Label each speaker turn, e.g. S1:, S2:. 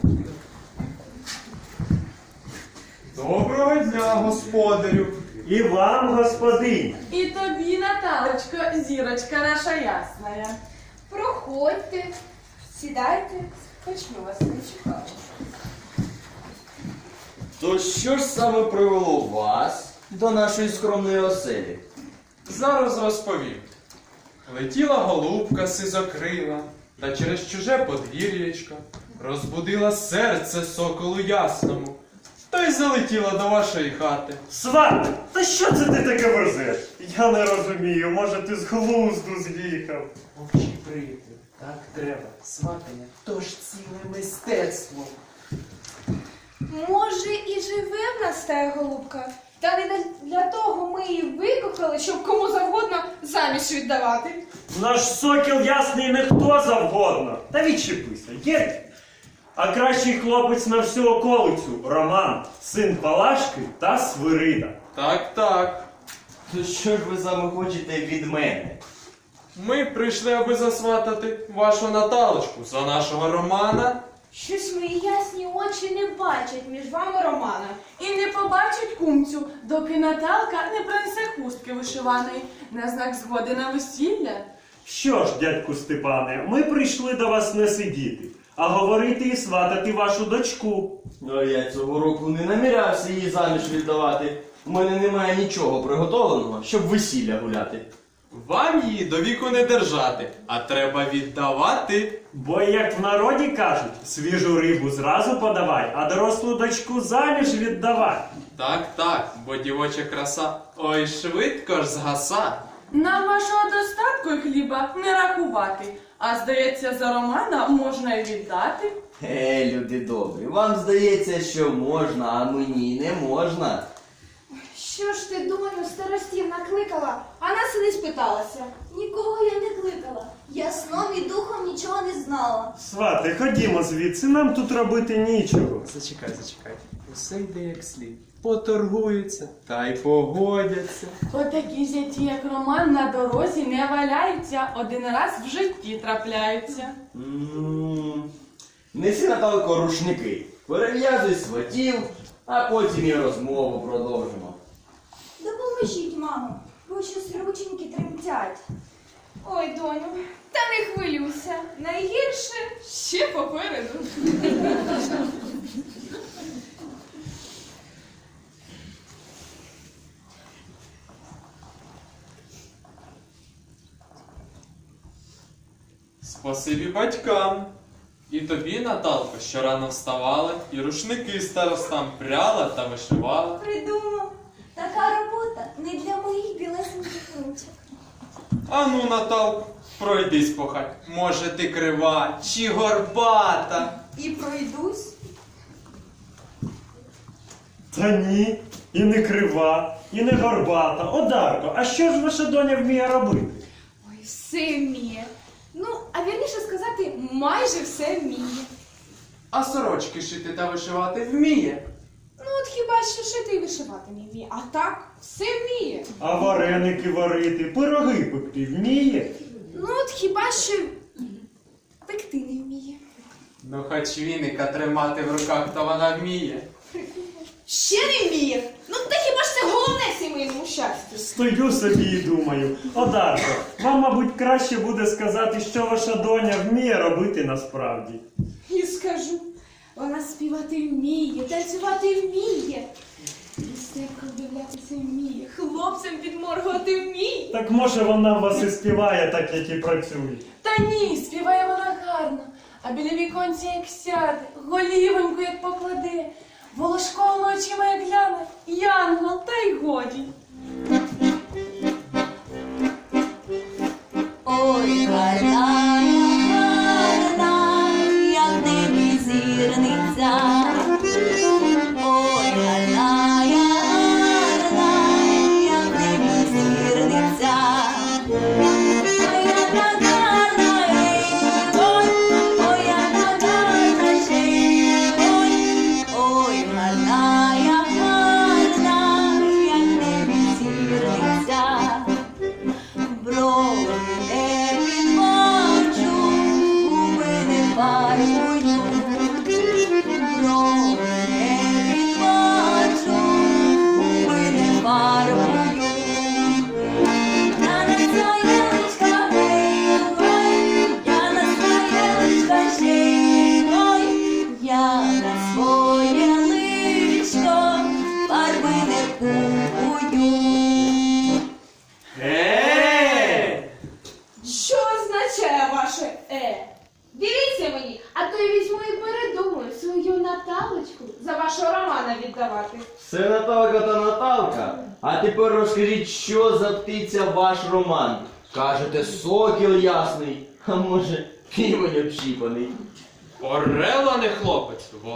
S1: Доброго дня, господарю.
S2: І вам, господиня.
S3: І тобі, Наталочко, зірочка наша ясная.
S4: Проходьте, сідайте, хоч ми вас не чекали.
S5: То що ж саме привело вас до нашої скромної оселі?
S1: Зараз розповім. Летіла голубка сизокрила, та через чуже подвір'ячко розбудила серце соколу ясному, та й залетіла до вашої хати.
S2: Сват, та що це ти таке верзеш? Я не розумію, може ти з глузду з'їхав.
S6: Мовчи, приятелю, так треба. Сватання – то ж ціле мистецтво.
S4: Може, і живе в нас та голубка, та не для того ми її викохали, щоб кому завгодно заміж віддавати.
S2: Наш сокіл ясний не хто завгодно. Та відчепися, є. А кращий хлопець на всю околицю – Роман, син Палашки та Свирида.
S1: Так.
S5: То що ж ви саме хочете від мене?
S1: Ми прийшли, аби засватати вашу Наталочку за нашого Романа.
S4: Щось мої ясні очі не бачать між вами романа.
S3: І не побачить кумцю, доки Наталка не принесе хустки вишиваної на знак згоди на весілля.
S2: Що ж, дядьку Степане, ми прийшли до вас не сидіти, а говорити і сватати вашу дочку.
S5: Ну, я цього року не намірявся її заміж віддавати. У мене немає нічого приготовленого, щоб весілля гуляти.
S1: Вам її до віку не держати, а треба віддавати.
S2: Бо, як в народі кажуть, свіжу рибу зразу подавай, а дорослу дочку заміж віддавай.
S1: Так, бо дівоча краса, ой, швидко ж згаса.
S3: Нам вашого достатку і хліба не рахувати, а здається, за Романа можна й віддати.
S5: Люди добрі, вам здається, що можна, а мені не можна.
S4: Що ж ти, доню, старостів накликала, а нас і не спиталася?
S7: Нікого я не кликала. Я сном і духом нічого не знала.
S2: Свати, ходімо звідси, нам тут робити нічого.
S6: Зачекай. Усе йде як слід. Поторгуються, та й погодяться.
S3: Отакі зяті, як Роман, на дорозі не валяються, один раз в житті трапляються.
S5: Неси, Наталко, рушники, перев'язуй сватів, а потім і розмову продовжимо.
S7: Допоможіть, мамо, бо щось рученьки тремтять.
S4: Ой, доню, та не хвилюйся, найгірше ще попереду.
S1: Спасибі батькам. І тобі, Наталко, що рано вставала, і рушники старостам пряла та вишивала.
S7: Придумав. Така робота не для моїх білесеньких ручок.
S1: Ану, Наталко, пройдись по хаті. Може, ти крива чи горбата?
S7: І пройдусь.
S2: Та ні, і не крива, і не горбата. Одарко, а що ж ваша доня вміє робити?
S4: Ой, все вміє. Ну, а вірніше сказати, майже все вміє.
S1: А сорочки шити та вишивати вміє.
S4: Ну, от хіба що шити і вишивати не вміє, а так все вміє.
S2: А вареники варити, пироги пекти вміє?
S4: Ну, от хіба що пекти не вміє.
S1: Ну, хоч віника тримати в руках, то вона вміє.
S4: Ще не вміє? Ну, та хіба ж це головне сімейному щастю?
S2: Стою собі і думаю. Одарко, вам, мабуть, краще буде сказати, що ваша доня вміє робити насправді.
S4: І скажу, вона співати вміє, танцювати вміє, люстерком дивлятися вміє, хлопцям підморгувати вміє.
S2: Так може вона в вас і співає так, як і працює.
S3: Та ні, співає вона гарно, а біля віконця як сяде, голівоньку як покладе, волошковими очима як гляне, янгол, та й годі.
S7: Ой, гарна, гарна, як в небі зірниця. Ой, гарна, гарна, як в небі зірниця. Ой, яка гарна, ой, ой, яка гарна ще й, ой, ой, гарна, як в небі
S5: Наталка та Наталка. А тепер розкажіть, що за птиця ваш Роман? Кажете, сокіл ясний, а може, півень общіпаний.
S1: Орел, а не хлопець.